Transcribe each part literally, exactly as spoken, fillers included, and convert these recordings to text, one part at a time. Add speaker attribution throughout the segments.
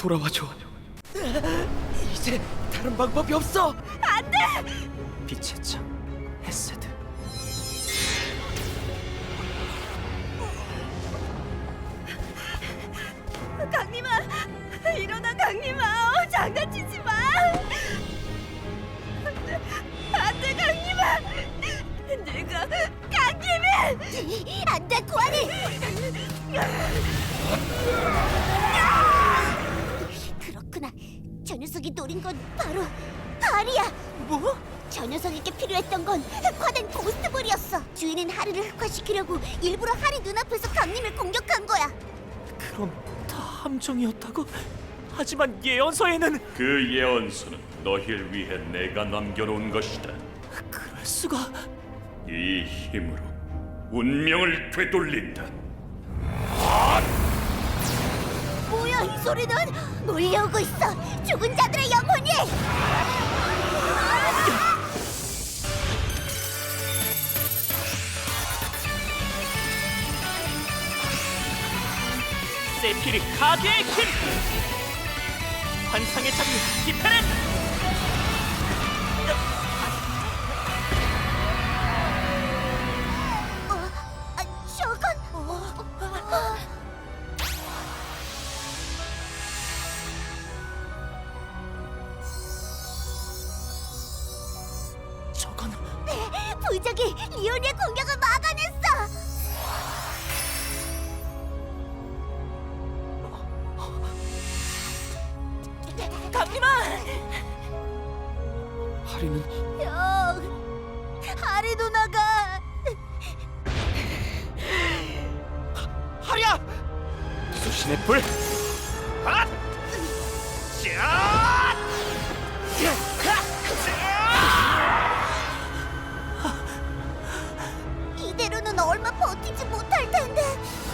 Speaker 1: 돌아와줘. 이제 다른 방법이 없어.
Speaker 2: 안 돼!
Speaker 1: 빛의 창, 헤세드.
Speaker 2: 강림아! 일어나, 강림아! 어, 장난치지 마! 안 돼, 강림아! 내가 강림이! 안 돼, 고아리! 그렇구나. 저 녀석이 노린 건 바로 하리야!
Speaker 1: 뭐?
Speaker 2: 저 녀석에게 필요했던 건 흑화된 고스트볼이었어. 주인은 하리를 흑화시키려고 일부러 하리 눈앞에서 강림을 공격한 거야.
Speaker 1: 그럼 다 함정이었다고? 하지만 예언서에는
Speaker 3: 그 예언서는 너희를 위해 내가 남겨놓은 것이다.
Speaker 1: 그럴 수가.
Speaker 3: 이 힘으로 운명을 되돌린다.
Speaker 2: 뭐야, 이 소리는? 몰려오고 있어. 죽은 자들의 영혼이.
Speaker 1: 세피르 카드의 힘! 환상의 장미 디페렌!
Speaker 2: 어, 아, 저건 어,
Speaker 1: 저건
Speaker 2: 부적이 리오니의 공격을 막아냈어.
Speaker 1: 강림아! 하리는
Speaker 2: 형, 하리 누나가
Speaker 1: 하리야! 수신의 불! 핫! 샷!
Speaker 2: 이대로는 얼마 버티지 못할 텐데.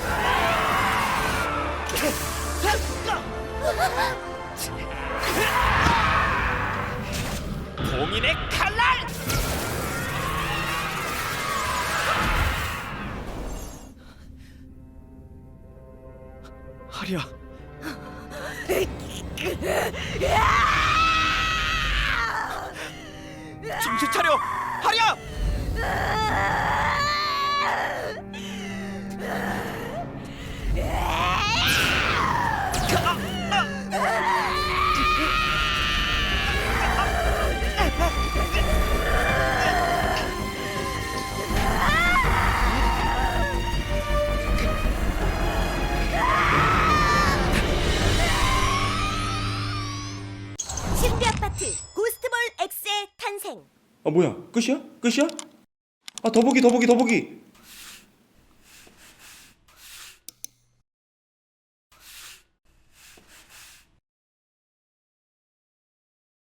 Speaker 1: 봉인의 칼날! 하리야. 정신 차려! 하리야!
Speaker 2: 신비 아파트 고스트볼 X의 탄생.
Speaker 4: 아 뭐야 끝이야? 끝이야? 아 더보기 더보기 더보기